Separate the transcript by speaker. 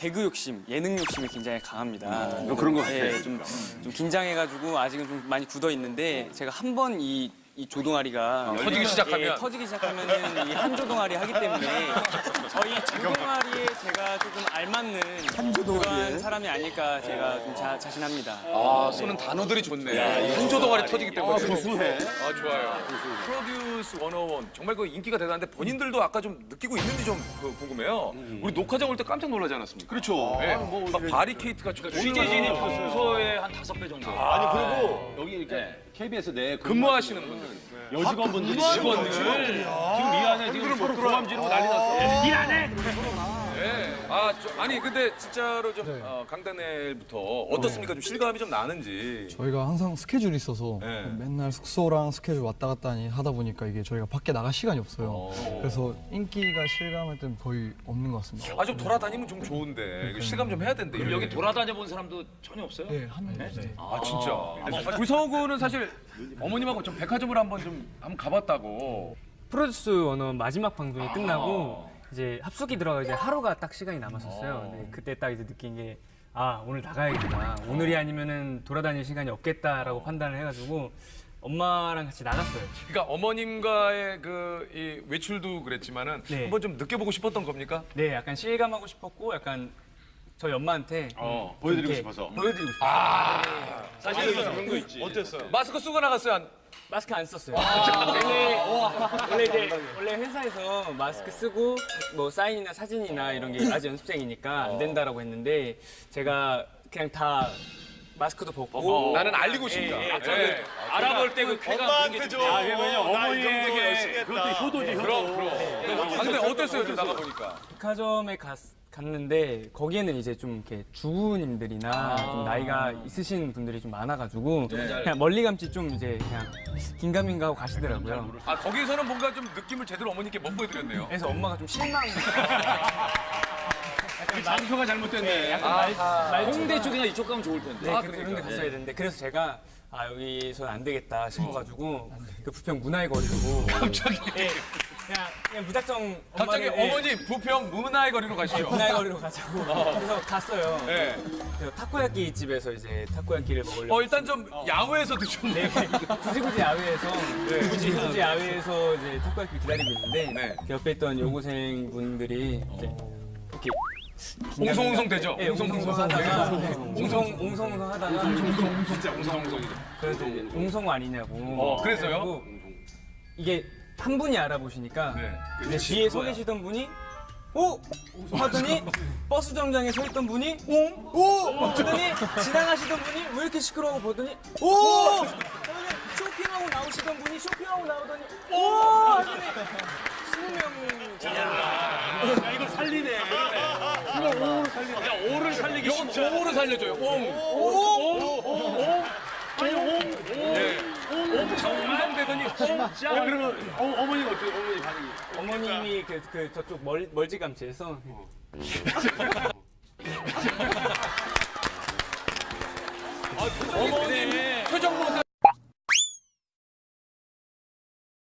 Speaker 1: 개그 욕심, 예능 욕심이 굉장히 강합니다.
Speaker 2: 그런 것 같아.
Speaker 1: 예, 좀 긴장해가지고 아직은 좀 많이 굳어 있는데 제가 한 번 이 조동아리가
Speaker 3: 터지기 시작하면?
Speaker 1: 예, 터지기 시작하면은 이 한 조동아리 하기 때문에 저희 조동아리에 제가 조금 알맞는 그런 사람이 아닐까 제가 좀 자신합니다.
Speaker 3: 아, 쏘는 단어들이 좋네. 한조동아리 터지기 때문에.
Speaker 2: 구수해.
Speaker 3: 아, 좋아요. 프로듀스 101. 정말 그 인기가 대단한데 본인들도 아까 좀 느끼고 있는지 좀 궁금해요. 우리 녹화장 올 때 깜짝 놀라지 않았습니까?
Speaker 2: 그렇죠.
Speaker 3: 네. 막 바리케이트가
Speaker 4: 취재 진입 순서의 한 5배 정도.
Speaker 2: 아니 그리고 여기 이렇게 KBS 내
Speaker 3: 근무하시는 분들.
Speaker 2: 여직원분들이
Speaker 4: 직원들 지금 이 안에 지금 서로 고함 지르고 난리 났어. 일 안 해.
Speaker 3: 네. 아니 근데 진짜로 좀 강단엘부터 어떻습니까? 좀 실감이 좀 나는지.
Speaker 5: 저희가 항상 스케줄이 있어서
Speaker 3: 네.
Speaker 5: 맨날 숙소랑 스케줄 왔다 갔다 하다 보니까 이게 저희가 밖에 나갈 시간이 없어요. 그래서 인기가 실감할 때는 거의 없는 것 같습니다.
Speaker 3: 아, 좀 돌아다니면 좀 좋은데. 이거 실감 좀 해야 된대.
Speaker 4: 그럼 여기 돌아다녀 본 사람도 전혀 없어요?
Speaker 5: 네, 한 명. 네.
Speaker 3: 아, 진짜. 우리 성우는 사실 어머님하고 좀 백화점을 한번 가봤다고.
Speaker 6: 프로듀스 101 마지막 방송이 끝나고 이제 합숙이 들어가 이제 하루가 딱 시간이 남았었어요. 네, 그때 딱 이제 느낀 게 오늘 나가야겠다. 오늘이 아니면은 돌아다닐 시간이 없겠다라고 판단을 해가지고 엄마랑 같이 나갔어요.
Speaker 3: 그러니까 어머님과의 이 외출도 그랬지만은
Speaker 6: 네.
Speaker 3: 한번 좀 느껴보고 싶었던 겁니까?
Speaker 6: 네, 약간 실감하고 싶었고 약간 저희 엄마한테
Speaker 2: 보여드리고
Speaker 6: 이렇게
Speaker 2: 싶어서.
Speaker 6: 보여드리고 싶어요.
Speaker 4: 사실 그런 거 있지.
Speaker 3: 마스크 쓰고 나갔어요?
Speaker 6: 마스크 안 썼어요. 원래 회사에서 마스크 쓰고 뭐 사인이나 사진이나 이런 게 아직 연습생이니까 안 된다라고 했는데 제가 그냥 다 마스크도 벗고
Speaker 3: 나는 알리고 싶다. 네.
Speaker 4: 알아볼 때 그 쾌감
Speaker 7: 엄마한테 줘.
Speaker 4: 왜냐면
Speaker 7: 어머니의 열심히 했다.
Speaker 4: 그것도 효도지 효도.
Speaker 3: 그럼. 근데 어땠어요? 좀 나가보니까.
Speaker 6: 백화점에 갔는데 거기에는 이제 좀 이렇게 주부님들이나 좀 나이가 있으신 분들이 좀 많아가지고 그냥 멀리 감지 좀 이제 그냥 긴가민가 하고 가시더라고요.
Speaker 3: 아, 거기서는 뭔가 좀 느낌을 제대로 어머니께 못 보여드렸네요.
Speaker 6: 그래서 엄마가 좀 실망.
Speaker 4: 장소가 잘못됐네. 홍대 쪽이나 이쪽 가면 좋을 텐데.
Speaker 6: 그런 데 갔어야 되는데 그래서 제가 여기서는 안 되겠다 싶어가지고 그 부평 문화의 거리로
Speaker 3: 갑자기.
Speaker 6: 그냥 무작정
Speaker 3: 갑자기
Speaker 6: 엄마를,
Speaker 3: 어머니 부평 문화의 거리로 가시죠.
Speaker 6: 문화의 거리로 가자고 그래서 갔어요.
Speaker 3: 네.
Speaker 6: 그래서 타코야끼 집에서 이제 타코야끼를 먹으려고
Speaker 3: 일단 좀 야외에서 드셨네.
Speaker 6: 굳이 야외에서 굳이 야외에서 이제 타코야끼 기다리고 있는데
Speaker 3: 네.
Speaker 6: 그 옆에 있던 여고생 분들이 이제 이렇게
Speaker 3: 옹성옹성 되죠?
Speaker 6: 네, 옹성옹성 하다가 옹성옹성 하다가
Speaker 3: 진짜 옹성옹성이죠.
Speaker 6: 그래서 옹성 아니냐고.
Speaker 3: 그래서요?
Speaker 6: 그래가지고 이게 한 분이 알아보시니까
Speaker 3: 네.
Speaker 6: 근데 뒤에 서 계시던 분이 오! 하더니 버스 정장에 서 있던 분이 오! 하더니 지나가시던 분이 왜 이렇게 시끄러워 보더니 오! 하더니 쇼핑하고 나오시던 분이 쇼핑하고 나오더니 오! 하더니 20명
Speaker 4: 야 이거 살리네. 이거 오를 살리기
Speaker 3: 이건 오를 살려줘요. 옹성되더니
Speaker 4: 그러면 어머니가 어떻게 어머니 반응이?
Speaker 6: 어머님이 그 저쪽 멀찌감치해서
Speaker 3: 어머니